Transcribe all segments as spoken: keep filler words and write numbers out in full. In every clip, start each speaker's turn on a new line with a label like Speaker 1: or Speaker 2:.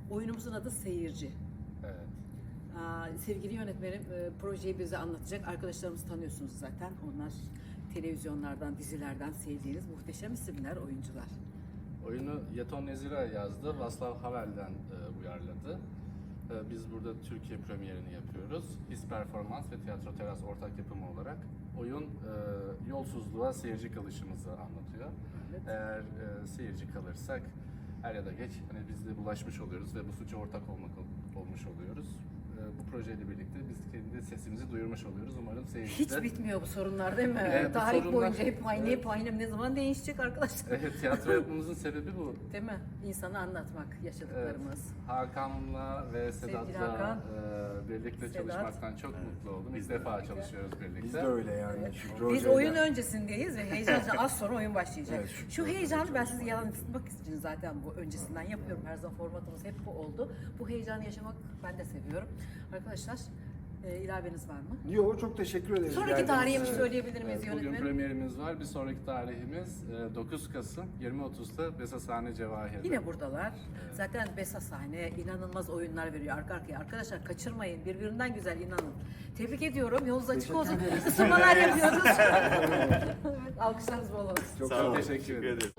Speaker 1: Oyunumuzun adı Seyirci.
Speaker 2: Evet.
Speaker 1: Aa, sevgili yönetmenim e, projeyi bize anlatacak. Arkadaşlarımızı tanıyorsunuz zaten. Onlar televizyonlardan, dizilerden sevdiğiniz muhteşem isimler, oyuncular.
Speaker 2: Oyunu Yeton Nezira yazdı, Václav Havel'den e, uyarladı. E, biz burada Türkiye premierini yapıyoruz. His Performans ve Tiyatro Teras ortak yapımı olarak oyun e, yolsuzluğa seyirci kalışımızı anlatıyor.
Speaker 1: Evet.
Speaker 2: Eğer e, seyirci kalırsak er ya da geç hani biz de bulaşmış oluyoruz ve bu suça ortak olmak olmuş oluyoruz. Bu projeyle birlikte biz kendi sesimizi duyurmuş oluyoruz. Umarım seyirci
Speaker 1: Hiç bitmiyor bu sorunlar değil mi?
Speaker 2: Evet, bu
Speaker 1: Tarih
Speaker 2: sorunlar-
Speaker 1: boyunca hep aynı,
Speaker 2: Evet.
Speaker 1: hep aynı. Ne zaman değişecek arkadaşlar?
Speaker 2: Evet, tiyatro yapmamızın sebebi bu.
Speaker 1: Değil mi? İnsanı anlatmak, yaşadıklarımız.
Speaker 2: Evet, Hakan'la ve
Speaker 1: Sevgili
Speaker 2: Sedat'la
Speaker 1: Hakan.
Speaker 2: e, birlikte
Speaker 1: Sedat.
Speaker 2: çalışmaktan çok mutlu oldum. İlk defa çalışıyoruz birlikte.
Speaker 3: Biz de öyle yani. Şükrü
Speaker 1: Biz
Speaker 3: Hoca'yla.
Speaker 1: oyun öncesindeyiz ve heyecanla az sonra oyun başlayacak.
Speaker 3: Evet, Şükrü
Speaker 1: Şu
Speaker 3: Hoca'yla
Speaker 1: heyecanı ben sizi
Speaker 3: çalışmak.
Speaker 1: yansıtmak için zaten bu öncesinden yapıyorum. Her zaman formatımız hep bu oldu. Bu heyecanı yaşamak ben de seviyorum. Arkadaşlar e, ilaveniz var mı?
Speaker 3: Yo, çok teşekkür ederiz.
Speaker 1: Sonraki
Speaker 3: geldiğiniz
Speaker 1: tarihimizi
Speaker 3: için.
Speaker 1: söyleyebilir miyiz
Speaker 2: Evet, bugün
Speaker 1: yönetmenim?
Speaker 2: premierimiz var. Bir sonraki tarihimiz e, dokuz Kasım yirmi otuzda Besasane Cevahir'de.
Speaker 1: Yine buradalar. Zaten Besasane inanılmaz oyunlar veriyor arka arkaya. Arkadaşlar kaçırmayın. Birbirinden güzel, inanın. Tebrik ediyorum. Yolunuz açık olsun. Isınmalar yapıyoruz. Evet, alkışlarınız bol olsun.
Speaker 3: Çok
Speaker 2: Çok
Speaker 3: sağ olun.
Speaker 2: teşekkür ederim.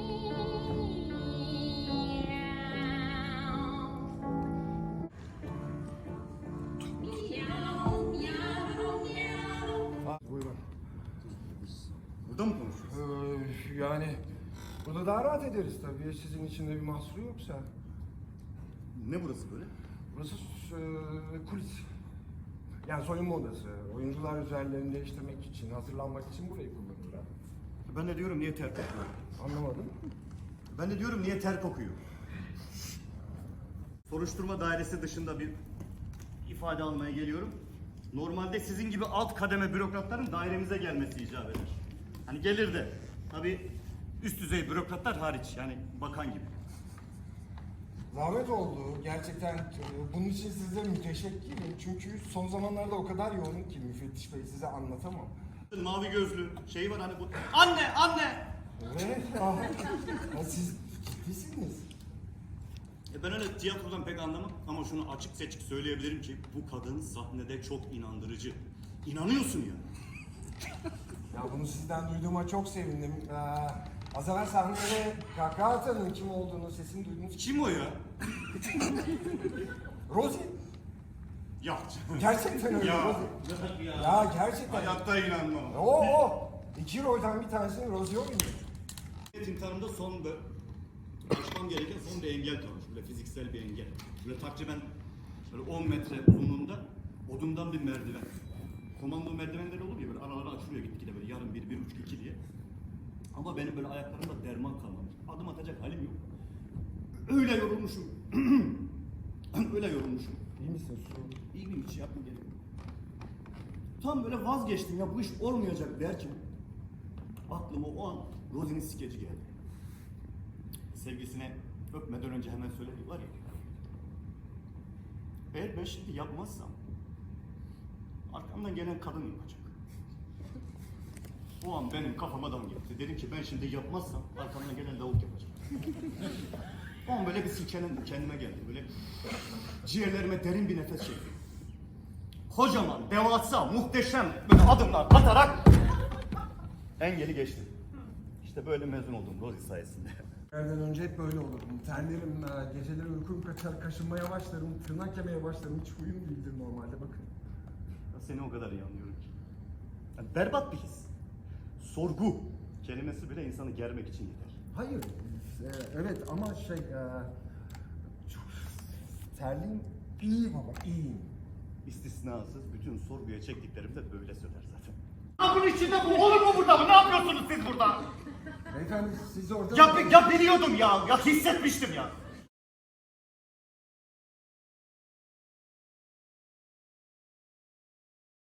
Speaker 3: Buyurun.
Speaker 4: Burada mı konuşuyoruz?
Speaker 3: Ee, yani burada daha rahat ederiz tabii. Sizin için de bir mahsuru yoksa.
Speaker 4: Ne burası böyle?
Speaker 3: Burası e, kulis. Yani soyunma odası. Oyuncular üzerlerini değiştirmek için, hazırlanmak için burayı kullanırlar.
Speaker 4: Ben de diyorum niye ter kokuyor?
Speaker 3: Anlamadım.
Speaker 4: Ben de diyorum niye ter kokuyor? Soruşturma dairesi dışında bir ifade almaya geliyorum. Normalde sizin gibi alt kademe bürokratların dairemize gelmesi icap eder. Hani gelir de tabii üst düzey bürokratlar hariç yani bakan gibi.
Speaker 3: Zahmet oldu. Gerçekten e, bunun için size müteşekkirim. Çünkü son zamanlarda o kadar yoğunum ki müfettiş bey size anlatamam.
Speaker 4: Mavi gözlü şey var hani bu. Anne anne!
Speaker 3: Evet. Ah, ah, siz ciddisiniz.
Speaker 4: E ben öyle tiyatrodan pek anlamam ama şunu açık seçik söyleyebilirim ki bu kadın sahnede çok inandırıcı. İnanıyorsun ya.
Speaker 3: Ya bunu sizden duyduğuma çok sevindim. Ee, az evvel sahnede kahkaha atanın kim olduğunu, sesini duydunuz.
Speaker 4: Kim o ya?
Speaker 3: Rosie.
Speaker 4: Ya.
Speaker 3: Gerçekten öyle
Speaker 4: Ya.
Speaker 3: Rosie.
Speaker 4: Ya.
Speaker 3: Ya gerçekten.
Speaker 4: Hayatta inanmam.
Speaker 3: Oo, o. İki rolden bir tanesini Rosie oynuyor.
Speaker 4: İmtihanımda son bir aşmam gereken son bir engel kalmış. Böyle fiziksel bir engel. Böyle takriben böyle on metre uzunluğunda odundan bir merdiven. Komando merdivenleri olur ya böyle araları açılıyor gitgide böyle yarım bir, bir buçuk, iki diye. Ama benim böyle ayaklarımda derman kalmamış. Adım atacak halim yok. Öyle yorulmuşum. Öyle yorulmuşum.
Speaker 3: İyi misin Su?
Speaker 4: İyi bir hiç yapma gerek. Tam böyle vazgeçtim ya bu iş olmayacak derken aklıma o an Rosie'nin skeci geldi. Sevgisine öpmeden önce hemen söyledi var ya. Eğer ben şimdi yapmazsam arkamdan gelen kadın yapacak. O an benim kafama dam gitti. Dedim ki ben şimdi yapmazsam arkamdan gelen lavuk yapacak. O an böyle bir silkelendim kendime geldim. Böyle ciğerlerime derin bir nefes çektim. Kocaman, devasa, muhteşem böyle adımlar atarak engeli geçtim. İşte böyle mezun oldum Rosie sayesinde.
Speaker 3: Nereden önce hep böyle olurdum. Terlerim, e, geceleri uykum kaçar, kaşınmaya başlarım, tırnak yemeye başlarım. Hiç huyum değildir normalde bakın.
Speaker 4: Ya seni o kadar iyi anlıyorum ki. Yani berbat bir his. Sorgu kelimesi bile insanı germek için yeter.
Speaker 3: Hayır, e, evet ama şey, e, çok terliyim, iyiyim ama iyiyim.
Speaker 4: İstisnasız bütün sorguya çektiklerim de böyle söyler zaten. Bunun içinde bu olur mu burada mı? Ne yapıyorsunuz siz burada?
Speaker 3: Beyefendi siz orada...
Speaker 4: Ya, ya biliyordum ya, ya hissetmiştim ya.